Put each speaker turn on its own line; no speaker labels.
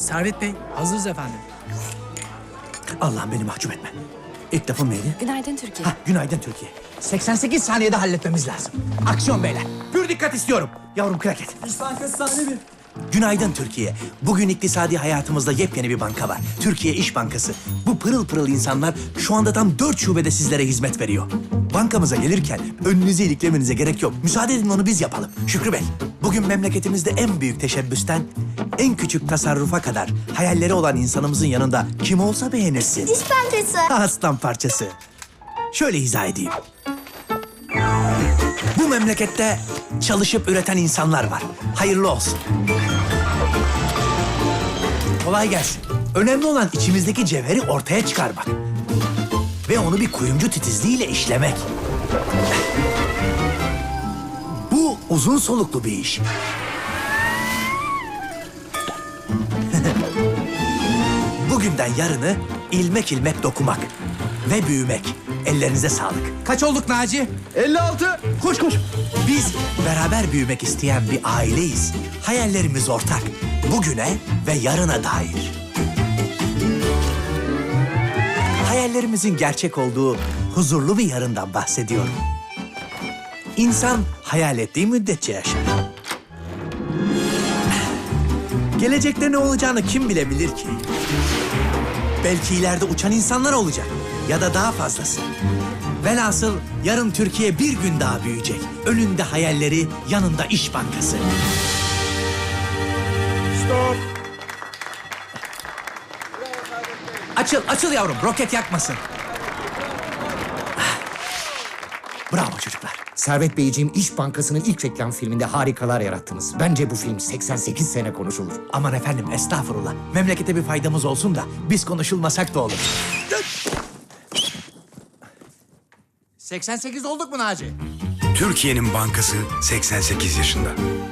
Servet Bey, hazırız efendim.
Allah'ım beni mahcup etme. İlk lafım neydi?
Günaydın Türkiye.
Günaydın Türkiye. 88 saniyede halletmemiz lazım. Aksiyon beyler. Pür dikkat istiyorum. Yavrum kraket.
İş Bankası sahne bir.
Günaydın Türkiye. Bugün iktisadi hayatımızda yepyeni bir banka var. Türkiye İş Bankası. Bu pırıl pırıl insanlar şu anda tam 4 şubede sizlere hizmet veriyor. Bankamıza gelirken önünüzü iliklemenize gerek yok. Müsaade edin onu biz yapalım. Şükrü Bey, bugün memleketimizde en büyük teşebbüsten en küçük tasarrufa kadar hayalleri olan insanımızın yanında kim olsa beğenirsin.
Diş Bankası.
Aslan parçası. Şöyle izah edeyim. Bu memlekette çalışıp üreten insanlar var. Hayırlı olsun. Kolay gelsin. Önemli olan içimizdeki cevheri ortaya çıkarmak. Ve onu bir kuyumcu titizliğiyle işlemek. Bu uzun soluklu bir iş. Bugünden yarını ilmek ilmek dokumak ve büyümek. Ellerinize sağlık. Kaç olduk Naci?
56.
Koş koş. Biz beraber büyümek isteyen bir aileyiz. Hayallerimiz ortak. Bugüne ve yarına dair. Hayallerimizin gerçek olduğu huzurlu bir yarından bahsediyorum. İnsan hayal ettiği müddetçe yaşar. Gelecekte ne olacağını kim bilebilir ki? Belki ileride uçan insanlar olacak ya da daha fazlası. Velhasıl yarın Türkiye bir gün daha büyüyecek. Önünde hayalleri, yanında İş Bankası.
Stop.
Açıl, açıl yavrum. Roket yakmasın. Bravo çocuklar.
Servet Beyciğim, İş Bankası'nın ilk reklam filminde harikalar yarattınız. Bence bu film 88 sene konuşulur.
Aman efendim, estağfurullah. Memlekete bir faydamız olsun da biz konuşulmasak da olur. 88 olduk mu Naci?
Türkiye'nin bankası 88 yaşında.